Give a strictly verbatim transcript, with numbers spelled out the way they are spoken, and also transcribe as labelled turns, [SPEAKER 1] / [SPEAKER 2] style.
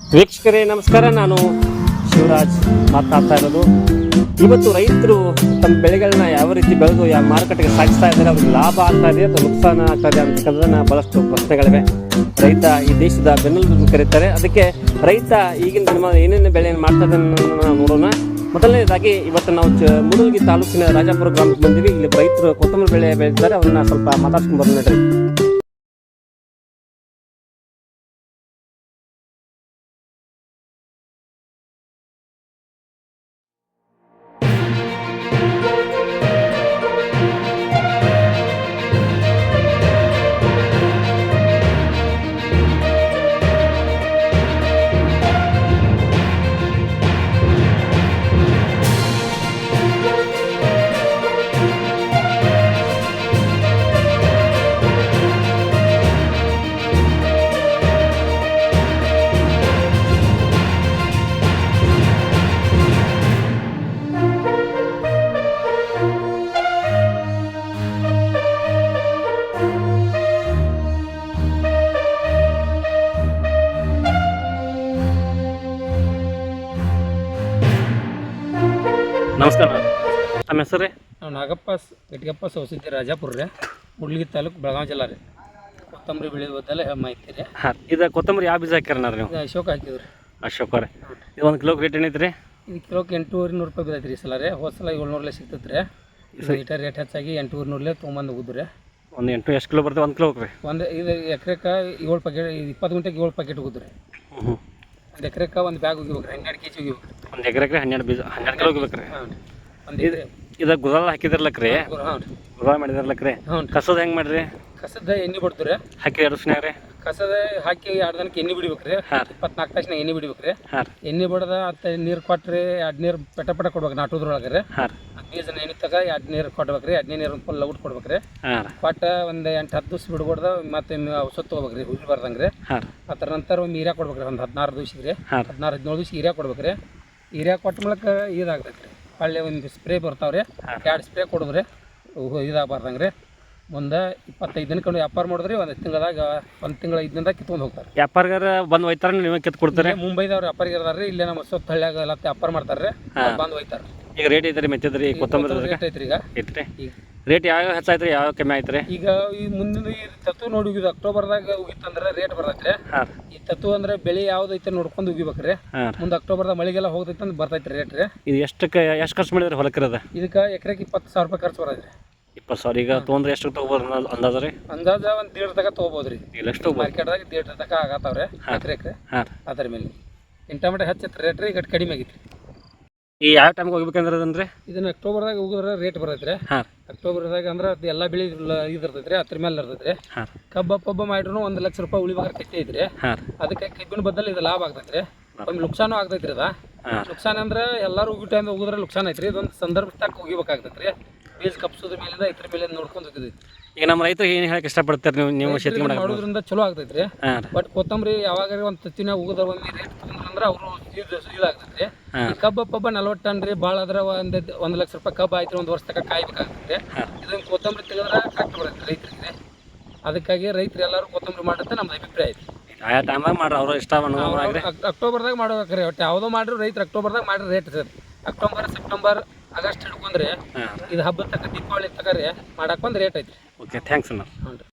[SPEAKER 1] ವೀಕ್ಷಕರೇ ನಮಸ್ಕಾರ. ನಾನು ಶಿವರಾಜ್ ಮಾತಾಡ್ತಾ ಇರೋದು. ಇವತ್ತು ರೈತರು ತಮ್ಮ ಬೆಳೆಗಳನ್ನ ಯಾವ ರೀತಿ ಬೆಳೆದು ಯಾವ ಮಾರುಕಟ್ಟೆಗೆ ಸಾಗಿಸ್ತಾ ಇದ್ದಾರೆ, ಅವ್ರಿಗೆ ಲಾಭ ಆಗ್ತಾ ಇದೆ ಅಥವಾ ನುಕ್ಸಾನ ಆಗ್ತಾ ಇದೆ ಅಂತಕ್ಕಂಥದ್ದನ್ನ ಬಹಳಷ್ಟು ಪ್ರಶ್ನೆಗಳಿವೆ. ರೈತ ಈ ದೇಶದ ಬೆನ್ನೆಲುಬು ಕರೀತಾರೆ. ಅದಕ್ಕೆ ರೈತ ಈಗಿನ ದಿನ ಏನೇನು ಬೆಳೆಯನ್ನು ಮಾಡ್ತಾ ಇದ್ದಾನೆ ನಾವು ನೋಡೋಣ. ಮೊದಲನೇದಾಗಿ ಇವತ್ತು ನಾವು ಚ ಮುಡಲ್ಗಿ ತಾಲೂಕಿನ ರಾಜಾಪುರ ಗ್ರಾಮಕ್ಕೆ ಬಂದಿವಿ. ಇಲ್ಲಿ ರೈತರು ಕೊತ್ತಂಬರಿ ಬೆಳೆ ಬೆಳೀತಾರೆ. ಅವ್ರನ್ನ ಸ್ವಲ್ಪ ಮಾತಾಡ್ಸ್ಕೊಂಡು ಬರೋಣ ನೋಡ್ರಿ. ನಮಸ್ಕಾರ. ನಮ್ಮ ಹೆಸರು ರೀ?
[SPEAKER 2] ನಾವು ನಾಗಪ್ಪ ಗಟ್ಟಿಗಪ್ಪ ಸೌಸಿದ್ದಿ ರಾಜಾಪುರ ರೀ, ಮುಡ್ಲಿಗಿ ತಾಲೂಕು, ಬೆಳಗಾವಿ ಜಿಲ್ಲಾ ರೀ. ಕೊತ್ತಂಬರಿ ಬೆಳೆಯೋದೆಲ್ಲ ಮಾಹಿತಿ ರೀ.
[SPEAKER 1] ಹಾಂ, ಇದು ಕೊತ್ತಂಬರಿ ಯಾವ ಬೀಜ ಹಾಕ್ಯಾರ ನೀವು?
[SPEAKER 2] ಅಶೋಕ ಹಾಕಿದ್ರಿ.
[SPEAKER 1] ಅಶೋಕ ರೀ. ಇದು ಒಂದು ಕಿಲೋಗೆ ರೇಟ್ ಏನೈತೆ ರೀ?
[SPEAKER 2] ಇದು ಕಿಲೋಕ್ಕೆ ಎಂಟೂವರೆ ನೂರು ರೂಪಾಯಿ ಬಿದ್ದೈತೆ ರೀ. ಸಲ ರೀ ಹೋದ ಸಲ ಏಳ್ನೂರಲ್ಲೇ ಸಿಗ್ತೈತೆ ರೀ. ಲೀಟರ್ ರೇಟ್ ಹೆಚ್ಚಾಗಿ ಎಂಟೂವರೆ ನೂರಲ್ಲೇ ತೊಗೊಂಬಂದು ಹೋಗುದು ರೀ.
[SPEAKER 1] ಒಂದು ಎಂಟು ಎಷ್ಟು ಕಿಲೋ ಬರ್ತದೆ ಒಂದು ಕಿಲೋಗೆ ರೀ?
[SPEAKER 2] ಒಂದು ಇದು ಎಕರೆಕ್ಕೆ ಏಳು ಪ್ಯಾಕೆಟ್, ಇಪ್ಪತ್ತು ಗಂಟೆಗೆ ಏಳು ಪ್ಯಾಕೆಟ್ ಹೋಗುದು ರೀ.
[SPEAKER 1] ಹ್ಞೂ,
[SPEAKER 2] ಒಂದು ಎಕರೆಕ್ಕೆ ಒಂದು ಬ್ಯಾಗ್ ಹೋಗಿಬೇಕು ರೀ, ಹನ್ನೆರಡು ಕೆ ಜಿ ಹೋಗಿಬೇಕು ರೀ.
[SPEAKER 1] ಒಂದು ಎಕರೆಗೆ ಹನ್ನೆರಡು ಬೀಜ ಹನ್ನೆರಡು ಕಿಲೋ ಹೋಗ್ಬೇಕು ರೀ.
[SPEAKER 2] ಹಾಂ ರೀ. ಒಂದು
[SPEAKER 1] ಇದು ಇದು ಗುದಾಲ ಹಾಕಿದಿರ್ಲಕ್ಕ ರೀ?
[SPEAKER 2] ಹಾಂ ರೀ.
[SPEAKER 1] ಗುದಾಲ ಮಾಡಿದಿರ್ಲಕ್ಕ ರೀ?
[SPEAKER 2] ಹ್ಞೂ ರೀ.
[SPEAKER 1] ಕಸೋದು ಹೆಂಗೆ ಮಾಡ್ರಿ?
[SPEAKER 2] ಕಸದ ಎಣ್ಣೆ ಬಿಡ್ತು ರೀ.
[SPEAKER 1] ಹಾಕಿ ಎರಡು ದಿವ್ಸನಾಗ ರೀ?
[SPEAKER 2] ಕಸದ ಹಾಕಿ ಎರಡು ದಿನಕ್ಕೆ ಎಣ್ಣೆ ಬಿಡ್ಬೇಕು ರೀ.
[SPEAKER 1] ಹಾಂ.
[SPEAKER 2] ಇಪ್ಪತ್ನಾಲ್ಕು ತಾಸಿನಾಗ ಎಣ್ಣೆ ಬಿಡ್ಬೇಕು ರೀ.
[SPEAKER 1] ಹಾಂ.
[SPEAKER 2] ಎಣ್ಣೆ ಬಡ್ದ ಅತ್ತ ನೀರು ಕೊಟ್ರಿ, ಎರಡು ನೀರು ಪೆಟ ಪೆಟ ಕೊಡ್ಬೇಕು ನಾಟೋದ್ರೊಳಗೆ ರೀ.
[SPEAKER 1] ಹಾಂ.
[SPEAKER 2] ಬೀಜ ಎಣ್ಣೆ ತಗ ಎರಡು ನೀರು ಕೊಡ್ಬೇಕು ರೀ. ಎರಡನೇ ನೀರು ಫುಲ್ ಔಟ್ ಕೊಡ್ಬೇಕು ರೀ.
[SPEAKER 1] ಹಾಂ.
[SPEAKER 2] ಕೊಟ್ಟ ಒಂದು ಎಂಟು ಹತ್ತು ದಿವ್ಸ ಬಿಡ್ಕೊಡ್ದ ಮತ್ತೆ ಔಷಧ ತೊಗೋಬೇಕು ರೀ, ಹುಳಿ ಬರ್ದಂಗೆ ರೀ.
[SPEAKER 1] ಹಾಂ.
[SPEAKER 2] ಅದರ ನಂತರ ಒಂದು ಹೀರ್ಯಾ ಕೊಡ್ಬೇಕು ರೀ, ಒಂದು ಹದಿನಾರು ದಿವ್ಸಕ್ಕೆ ರೀ.
[SPEAKER 1] ಹಾಂ.
[SPEAKER 2] ಹದಿನಾರು ಹದಿನೇಳು ದಿವ್ಸ ಹೀರ್ಯಾ ಕೊಡ್ಬೇಕು ರೀ. ಹೀರ್ಯಾ ಕೊಟ್ಟ ಮೂಲಕ ಇದಾಗ್ತೈತೆ ರೀ. ಹೊಳ್ಳಿ ಒಂದು ಸ್ಪ್ರೇ ಬರ್ತಾವೆ ರೀ, ಎರಡು ಸ್ಪ್ರೇ ಕೊಡೋದು ರೀ, ಇದಾಗಬಾರ್ದಂಗೆ ರೀ. ಮುಂದೆ ಇಪ್ಪತ್ತೈದು ದಿನಕ್ಕೆ ವ್ಯಾಪಾರ ಮಾಡಿದ್ರಿ. ಒಂದು ತಿಂಗಳದಾಗ ಒಂದು ತಿಂಗಳ ಐದು ದಿನದಾಗ ಕಿತ್ಕೊಂಡು ಹೋಗ್ತಾರೆ.
[SPEAKER 1] ವ್ಯಾಪಾರಿಗಾರ ಬಂದು ಒಯ್ತಾರ, ನೀವು ಕಿತ್ತು ಕೊಡ್ತಾರೆ?
[SPEAKER 2] ಮುಂಬೈದವ್ರು ವ್ಯಾಪಾರಿಗೆ ಇರ್ತಾರೆ ರೀ. ಇಲ್ಲೇ ನಮ್ಮ ಹೊಸ ಹಳ್ಳಿಯಾಗ ಎಲ್ಲ ವ್ಯಾಪಾರ ಮಾಡ್ತಾರೆ ರೀ, ಬಂದು ಒಯ್ತಾರೆ.
[SPEAKER 1] ಈಗ ರೇಟ್ ಐತೆ ರೀ ಮೆತ್ತದ್ರಿ ಕೊತ್ತಂಬರಿ
[SPEAKER 2] ರೇಟ್ ಐತ್ರಿ. ಈಗ
[SPEAKER 1] ಐತ್ರಿ ರೇಟ್ ಯಾವ ಹೆಚ್ಚಾಯ್ತು ರೀ, ಯಾವ ಕಮ್ಮಿ ಆಯ್ತು ರೀ?
[SPEAKER 2] ಈಗ ಈ ಮುಂದಿನ ಈ ತತ್ತು ನೋಡಿ ಉಗಿದು ಅಕ್ಟೋಬರ್ದಾಗ ಉಗಿತಂದ್ರೆ ರೇಟ್ ಬರ್ತೈತೆ ರೀ.
[SPEAKER 1] ಹಾಂ.
[SPEAKER 2] ಈ ತತ್ತು ಅಂದ್ರೆ ಬೆಳೆ ಯಾವ್ದೈತೆ ನೋಡ್ಕೊಂಡು ಉಗಿಬೇಕು ರೀ.
[SPEAKER 1] ಹಾಂ.
[SPEAKER 2] ಮುಂದೆ ಅಕ್ಟೋಬರ್ದಾಗ ಮಳೆಗೆಲ್ಲ ಹೋಗ್ತೈತೆ ಅಂದ್ರೆ ಬರ್ತೈತೆ ರೇಟ್ ರೀ.
[SPEAKER 1] ಇದು ಎಷ್ಟಕ್ಕೆ ಎಷ್ಟು ಖರ್ಚು ಮಾಡಿದ್ರೆ ಹೊಲಕ್ಕೆ ಇರೋದು?
[SPEAKER 2] ಇದಕ್ಕೆ ಎಕರೆಗೆ ಇಪ್ಪತ್ತು ಸಾವಿರ ರೂಪಾಯಿ ಖರ್ಚು ಬರೋದು ರೀ. ಇಪ್ಪತ್ತು
[SPEAKER 1] ಸಾವಿರ ಈಗ ತೊಗೊಂಡ್ರೆ ಎಷ್ಟು ತೊಗೋಬೋದು ಅಂದಾಜು ರೀ?
[SPEAKER 2] ಅಂದಾಜ ಒಂದು ದೇಡ್ ತನಕ ತೊಗೋಬೋದು ರೀ.
[SPEAKER 1] ಇಲ್ಲ ಎಷ್ಟು
[SPEAKER 2] ಮಾರ್ಕೆಟ್ದಾಗ ದೇಡ್ ತನಕ ಆಗತ್ತಾವ್ರೆ ಎಕರೆಗೆ.
[SPEAKER 1] ಹಾಂ.
[SPEAKER 2] ಅದ್ರ ಮೇಲೆ ಇಂಟಮೆಟೆ ಹೆಚ್ಚೈತೆ ರೇಟ್ ರೀ. ಈಗ ಕಡಿಮೆ ಆಗೈತಿ.
[SPEAKER 1] ಈ ಯಾವ ಟೈಮ್ಗೆ ಹೋಗ್ಬೇಕಂದ್ರೆ ಅದನ್ರಿ?
[SPEAKER 2] ಇದನ್ನ ಅಕ್ಟೋಬರ್ದಾಗ ಹೋಗಿದ್ರೆ ರೇಟ್ ಬರ್ತೈತೆ ರೀ.
[SPEAKER 1] ಹಾಂ.
[SPEAKER 2] ಅಕ್ಟೋಬರ್ದಾಗ ಅಂದ್ರೆ ಅದು ಎಲ್ಲ ಬೆಳೆ ಇದಿರ್ತೈತೆ ರೀ, ಅದ್ರ ಮೇಲೆ ಇರ್ತೈತೆ ರೀ.
[SPEAKER 1] ಹಾಂ.
[SPEAKER 2] ಕಬ್ಬ ಪಬ್ಬ ಮಾಡಿದ್ರು ಒಂದು ಲಕ್ಷ ರೂಪಾಯಿ ಉಳಿಬೇಕಾದ್ರೆ ಕಟ್ಟಿ ಐತ್ರಿ.
[SPEAKER 1] ಹಾಂ.
[SPEAKER 2] ಅದಕ್ಕೆ ಕಬ್ಬಿನ ಬದಲು ಇದು ಲಾಭ ಆಗ್ತೈತೆ ರೀ. ಒಂದು ನುಕ್ಸಾನು ಆಗ್ತೈತೆ ರೀ. ಅದ
[SPEAKER 1] ಹಾಂ.
[SPEAKER 2] ನುಕ್ಸಾನ ಅಂದ್ರೆ ಎಲ್ಲರೂ ಹೋಗಿ ಟೈಮ್ ಹೋಗಿದ್ರೆ ನುಕ್ಸಾನ ಐತ್ರಿ. ಇದೊಂದು ಸಂದರ್ಭ ತಕ್ಕ ಹೋಗಿಬೇಕಾಗ್ತೈತೆ ರೀ. ಬೀಜ ಕಪ್ಸೋದ್ರ ಮೇಲಿಂದ ಇದ್ರ ಮೇಲೆ ನೋಡ್ಕೊಂಡು ಹೋಗಿದೈತಿ.
[SPEAKER 1] ಈಗ ನಮ್ಮ ರೈತರು ಏನು ಹೇಳಕ್ಕೆ ಇಷ್ಟಪಡ್ತಾರೆ? ನೀವು ನೀವು ಶೇತಿ
[SPEAKER 2] ಮಾಡೋದ್ರಿಂದ ಚಲೋ ಆಗ್ತೈತೆ ರೀ.
[SPEAKER 1] ಹಾಂ.
[SPEAKER 2] ಬಟ್ ಕೊತ್ತಂಬರಿ ಯಾವಾಗ ಒಂದು ತತ್ತಿನ ಹೋಗೋದ್ರ ಒಂದು ರೇಟ್ ತೊಗೊಂಡ್ರಂದ್ರೆ ಅವರು ಇದಾಗ್ತೈತೆ ರೀ. ಈ ಕಬ್ಬ ಪಬ್ಬ ನಲ್ವತ್ತು ಟನ್ ರೀ, ಭಾಳ ಆದ್ರೆ ಒಂದು ಒಂದು ಲಕ್ಷ ರೂಪಾಯಿ ಕಬ್ಬ ಆಯ್ತು, ಒಂದು ವರ್ಷ ತನಕ ಕಾಯ್ಬೇಕಾಗ್ತೈತೆ ರೀ. ಇದೊಂದು ಕೊತ್ತಂಬರಿ ತೆಗೆದ್ರೆ ಕರೆಕ್ಟ್ ಬರುತ್ತೆ ರೈತರಿಗೆ. ಅದಕ್ಕಾಗಿ ರೈತರು ಎಲ್ಲರೂ ಕೊತ್ತಂಬರಿ ಮಾಡುತ್ತೆ ನಮ್ದು ಅಭಿಪ್ರಾಯ ಐತಿ.
[SPEAKER 1] ಆಯಾ ಟೈಮಾಗ ಮಾಡ್ರಿ, ಅವರು ಇಷ್ಟ
[SPEAKER 2] ಅಕ್ಟೋಬರ್ದಾಗ ಮಾಡ್ಬೇಕ್ರಿ. ಒಟ್ಟು ಯಾವುದೋ ಮಾಡ್ರಿ ರೈತರು ಅಕ್ಟೋಬರ್ದಾಗ ಮಾಡ್ರಿ rate sir. October September August ಹಿಡ್ಕೊಂಡ್ರೆ ಇದು ಹಬ್ಬದ ತಕ್ಕ ದೀಪಾವಳಿ ತಕ ರೀ ಮಾಡಕ್ಕೆ ಒಂದು ರೇಟ್ ಐತಿ.
[SPEAKER 1] ಓಕೆ, ಥ್ಯಾಂಕ್ಸ್ ಅಣ್ಣ.
[SPEAKER 2] ಹ್ಞೂ ರೀ.